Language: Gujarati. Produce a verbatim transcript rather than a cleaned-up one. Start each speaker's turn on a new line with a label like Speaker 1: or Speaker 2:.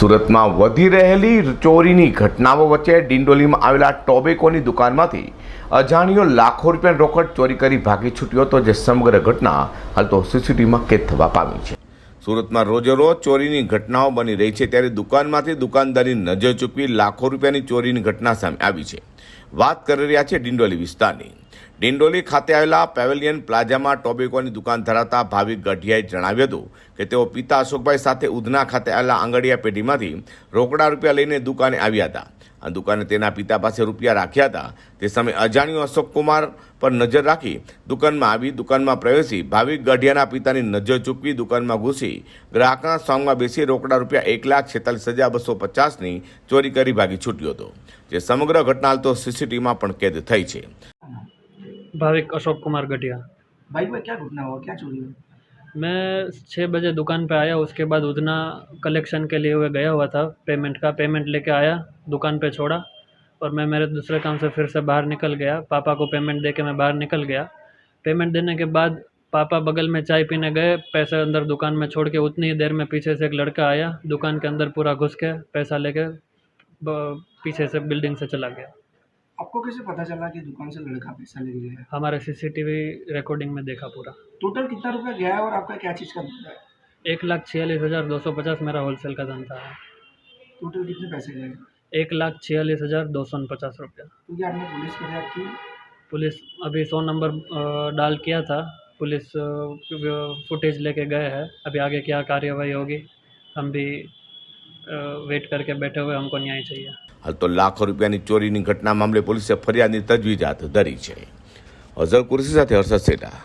Speaker 1: સુરતમાં વધી રહેલી ચોરીની ઘટનાઓ વચ્ચે ડિંડોલીમાં આવેલા ટોબેકોની દુકાનમાંથી અજાણ્યો લાખો રૂપિયાની રોકડ ચોરી કરી ભાગી છૂટ્યો હતો, જે સમગ્ર ઘટના હાલ તો સીસીટીવીમાં કેદ થવા પામી છે. સુરતમાં રોજેરોજ ચોરીની ઘટનાઓ બની રહી છે, ત્યારે દુકાનમાંથી દુકાનદારી નજર ચૂકવી લાખો રૂપિયાની ચોરીની ઘટના સામે આવી છે. વાત કરી રહ્યા છે ડિંડોલી વિસ્તારની. ડિંડોલી ખાતે આવેલા પેવેલિયન પ્લાઝામાં ટોબેકોની દુકાન ધરાવતા ભાવિક ગઢિયાએ જણાવ્યું હતું કે તેઓ પિતા અશોકભાઈ સાથે ઉધના ખાતે આવેલા આંગડિયા પેઢીમાંથી રોકડા રૂપિયા લઈને દુકાને આવ્યા હતા. આ દુકાને તેના પિતા પાસે રૂપિયા રાખ્યા હતા. તે સમયે અજાણ્યો અશોક કુમાર પર નજર રાખી દુકાનમાં આવી દુકાનમાં પ્રવેશી ભાવિક ગઢિયાના પિતાની નજર ચૂકવી દુકાનમાં ઘૂસી ગ્રાહકના સોંગમાં બેસી રોકડા રૂપિયા એક લાખ છેતાલીસ હજાર બસો પચાસની ચોરી કરી ભાગી છૂટ્યો હતો, જે સમગ્ર ઘટના હાલ તો સીસીટીવીમાં પણ કેદ થઈ છે.
Speaker 2: भाविक अशोक कुमार गठिया।
Speaker 3: भाई भाई क्या घटना हुआ, क्या चोरी हुई?
Speaker 2: मैं छः बजे दुकान पे आया, उसके बाद उधना कलेक्शन के लिए हुए गया हुआ था, पेमेंट का पेमेंट लेके आया, दुकान पे छोड़ा और मैं मेरे दूसरे काम से फिर से बाहर निकल गया. पापा को पेमेंट दे के मैं बाहर निकल गया. पेमेंट देने के बाद पापा बगल में चाय पीने गए, पैसे अंदर दुकान में छोड़ के उतनी ही देर में पीछे से एक लड़का आया, दुकान के अंदर पूरा घुस के पैसा लेके पीछे से बिल्डिंग से चला गया.
Speaker 3: आपको कैसे पता चला कि दुकान से लड़का पैसा ले गया?
Speaker 2: हमारे सीसीटीवी रिकॉर्डिंग में देखा पूरा.
Speaker 3: टोटल कितना रुपया गया है और आपका क्या चीज़ का धंधा है?
Speaker 2: एक लाख छियालीस हज़ार दो सौ पचास मेरा होलसेल का धंधा है.
Speaker 3: टोटल कितने पैसे गए?
Speaker 2: एक लाख छियालीस हज़ार दो सौ पचास रुपया.
Speaker 3: तो क्या आपने पुलिस को रिपोर्ट की?
Speaker 2: पुलिस अभी सौ नंबर डाल किया था, पुलिस फुटेज लेके गए हैं. अभी आगे क्या कार्यवाही होगी हम भी वेट करके बैठे हुए, हमको न्याय चाहिए.
Speaker 1: હાલ તો લાખો રૂપિયાની ચોરીની ઘટના મામલે પોલીસે ફરિયાદની તજવીજ હાથ ધરી છે. અઝર કુરેશી સાથે હર્ષદ સેઠા.